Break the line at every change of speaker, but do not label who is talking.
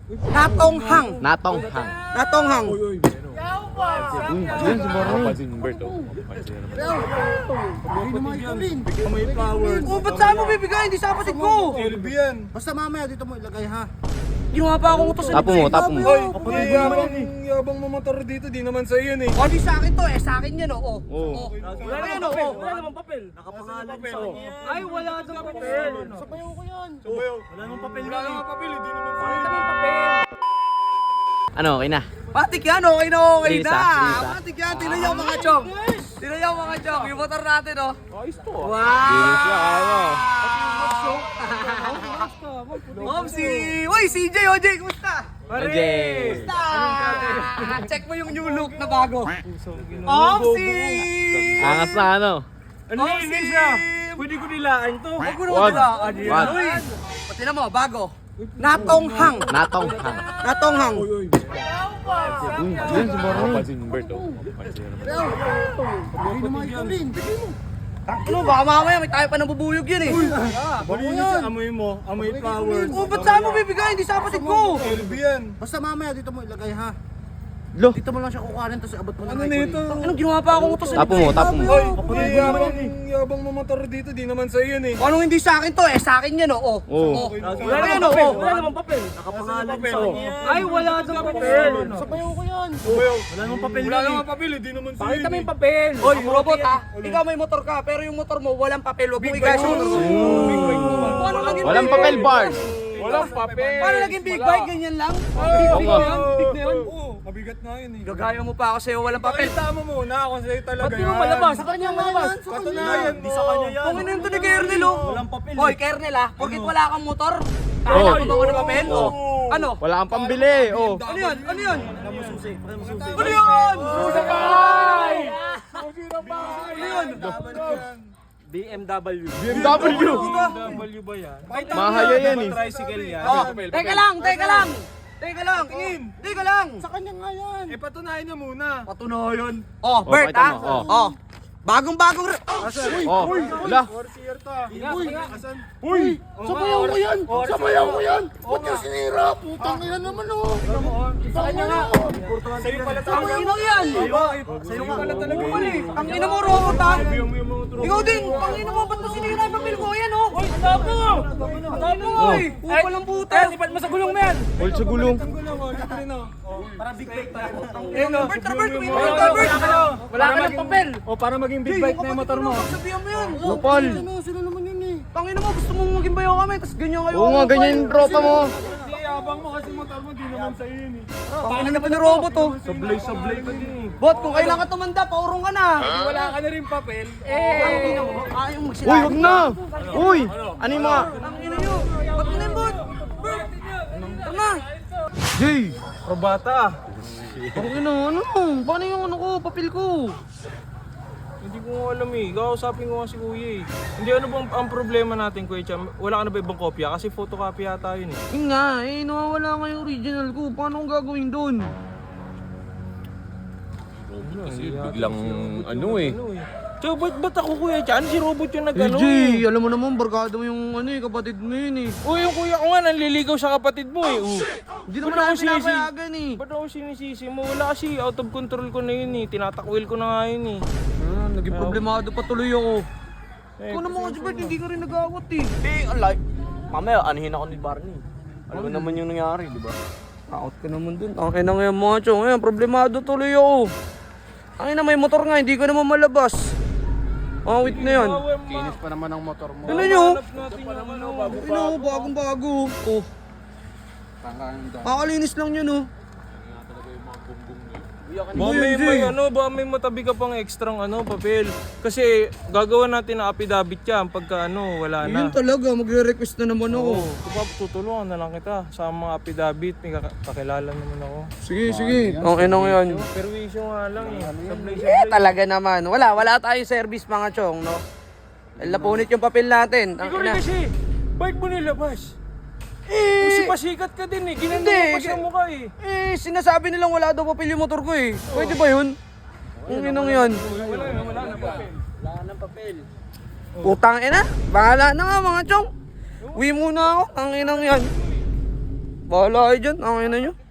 Natonghang.
Natonghang.
Natonghang.
Yun si Borne.
May flowers.
Oh, ba't saan mo bibigay? Hindi sa kapatid ko.
LB yan.
Basta mamaya dito mo ilagay ha.
Ginawa pa akong utos sa
Tapo mo, tapo mo.
Hoy, yabang mamotor dito, di naman sa'yo yun eh.
O, di sa akin to eh. Sa akin yan o.
Oo.
Wala yan o.
Wala namang papel.
Nakapangalan sa
Ay, wala namang papel.
Sabayaw ko yan.
Subayaw.
Wala namang papel.
Wala namang papel, hindi naman sa'yo.
Pakita mo yung papel.
Ano, okay na?
Matik yan, okay na okay
Lisa,
na.
Lisa.
Matik yan, tinan niyo mga chong. Tinan niyo mga chong, yung motor natin oh.
Ayos to.
Wow!
Linis na, ano?
Momsi! Uy, CJ, OJ, kumusta?
MJ.
Kumusta? Check mo yung new look na bago. Momsi!
Angas na, ano?
Ano hindi siya? Pwede ko nilaan to.
Huwag mo
Wag.
naman nila.
Wag.
Uy, pati na mo, bago. Natonghang.
Natonghang.
Natonghang.
Yun si Borne.
Hindi naman ikaw rin.
Ano, baka mamaya may tayo pa nabubuyog yan eh.
Malinis yan. Amoy mo, amoy flowers.
Oh, ba't saan mo bibigay? Hindi sa kapatid ko.
LB yan.
Basta mamaya dito mo ilagay ha.
Lo.
Dito mo lang siya kukuhanin tapos abot mo na
Ano
kay
nito?
Anong ginawa pa akong utos sa
Tapo mo, tapo mo.
Hoy, yabang mamotor dito, di naman sa'yo yun eh.
Anong hindi sa akin to eh? Sa akin yan o.
Oo.
Wala
namang
yan
papel.
o.
Wala namang papel.
Nakapangalan
sa Ay, wala namang papel.
Sabayaw ko yan.
Subayaw.
Wala namang papel.
Wala namang papel, hindi naman sa'yo
Pakita mo
yun
yung papel.
Hoy, robot ha. Ikaw may motor ka, pero yung motor mo walang papel. Huwag mo igayos yung motor mo. Paano naging
Walang
big
papel
bike?
bars.
Walang papel.
Paano naging big bike? Ganyan lang?
Oo nga.
Big na yun?
Oo, mabigat nga yun eh.
Gagaya mo pa ako sa'yo, walang papel.
Pakita mo muna kung sa'yo talaga
Ba't di mo malabas?
Sa kanya malabas.
Katunayan, di sa kanya yan.
Kung ino yung to ni Kernel oh.
Walang papel.
Hoy, Kernel ah, porkit wala kang motor. Kaya mo ba ng papel? Oh. Ano?
Wala kang pambili. Oh.
Ano yan? Ano yan?
Wala mo susi. Wala mo susi.
Ano yan?
Sa bahay!
Ano yun?
BMW.
BMW.
BMW ba yan?
Mahaya yan eh.
Tricycle yan.
Oh, teka lang, teka lang. Teka lang. Teka lang.
Sa kanya nga yan.
Eh, patunayan niya muna.
Patunayan. Oh, Bert
pakita
ah.
mo, oh.
Oh. Bagong-bagong
Oh. Wala.
Orsier ta. Asan?
Uy! Sabayaw ko yan! Sabayaw ko yan! Ba't yung sinira? Putang ina naman oh! Sa kanya nga!
Sa'yo pala
Ang
talaga.
ino yan.
Sa'yo pala talaga.
Ang ina mo, robot ah.
Yung mga tropa.
Ikaw din. Ang ina mo, ba't mo sinira yung papel ko? Yan oh. Uy,
Tapo!
Ang ina mo eh. Upalang puta.
Ipat mo sa gulong mo yan.
Hold sa gulong.
Ang gulang, oh. Ito rin, oh.
Para big bike tayo.
Bert, Bert, wait, Bert.
Wala ka ng papel.
O, para maging big bike na yung motor mo.
Sabihan mo yan.
Lupal.
Sino naman yun eh?
Tangina mo, gusto mong maging bayo kami, tapos ganyan kayo.
Oo nga, ganyan yung tropa mo.
Hindi, abang mo kasi motor mo, di naman sa'yo yun eh.
Tangina na pa ni robot oh.
Sablay ka din eh.
Bot, kung kailan ka tumanda, paurong ka na.
Wala ka na rin papel.
Tangina mo, ayaw
Uy,
magsilabi.
wag na. Uy, ano yung mga...
Tangina nyo. Ba't na yung bot? Bert. Tara na.
Jay.
Probata.
Ano, ano? Paano yung ano ko, papel ko?
Hindi ko alam eh. Kausapin ko nga si Kuya eh. Hindi ano bang ang problema natin, Kuya Cham? Wala ka na ba ibang kopya? Kasi photocopy yata yun eh.
Yun nga, nawawala nga yung original ko. Paano kong gagawin doon?
Kasi biglang ano eh. So, ba't ako Kuya Cham? Si Robot yung nag-ano
Jay, alam mo naman, barkada mo yung ano kapatid mo yun eh.
Oh, yung kuya ko nga nanliligaw sa kapatid mo eh.
Hindi naman
Ba't
ako
ako sisi?
pinapayagan eh.
Ba't ako sinisisi mo? Wala kasi out of control ko na yun eh. Tinatakwil ko na nga yun eh.
Naging problemado pa tuloy ako. Ikaw naman kasi Bert, hindi ka rin nag-awat eh.
Alay. Mamaya, anihin ako ni Barney. Alam mo naman yung nangyari, di ba?
Takot ka naman dun. Ang ina ngayon mga chong. Ngayon, problemado tuloy ako. Ang ina, may motor nga, hindi ko naman malabas. Wait na yan.
Kinis pa naman ang motor mo.
Ano nyo?
Hanap natin yung ano.
Ano, bagong-bago. Oh. Kakalinis lang yun oh.
Ba may matabi ka pang ekstrang papel. Kasi gagawa natin na affidavit yan pagka wala na.
Yun talaga, magre-request na naman ako.
Oo, tutulungan na lang kita sa mga affidavit, may kakilala naman ako.
Sige, sige. Ang ina ngayon.
Pero issue nga lang eh. Sablay
Talaga naman. Wala tayong service mga chong, no? Lapunit yung papel natin. Ang
Ikaw rin
ina.
kasi, bike mo nilabas.
Eh,
Kasi pasikat ka din eh, ginanda
Hindi,
mo pa sa mukha eh.
sinasabi nilang wala daw papel yung motor ko eh. Pwede ba yun? Ang inang yan.
Wala na papel.
Wala ng papel.
Putang ina. Bahala na nga mga chong. Uwi muna ako. Ang inang yan. Bahala kayo dyan, ang ina nyo.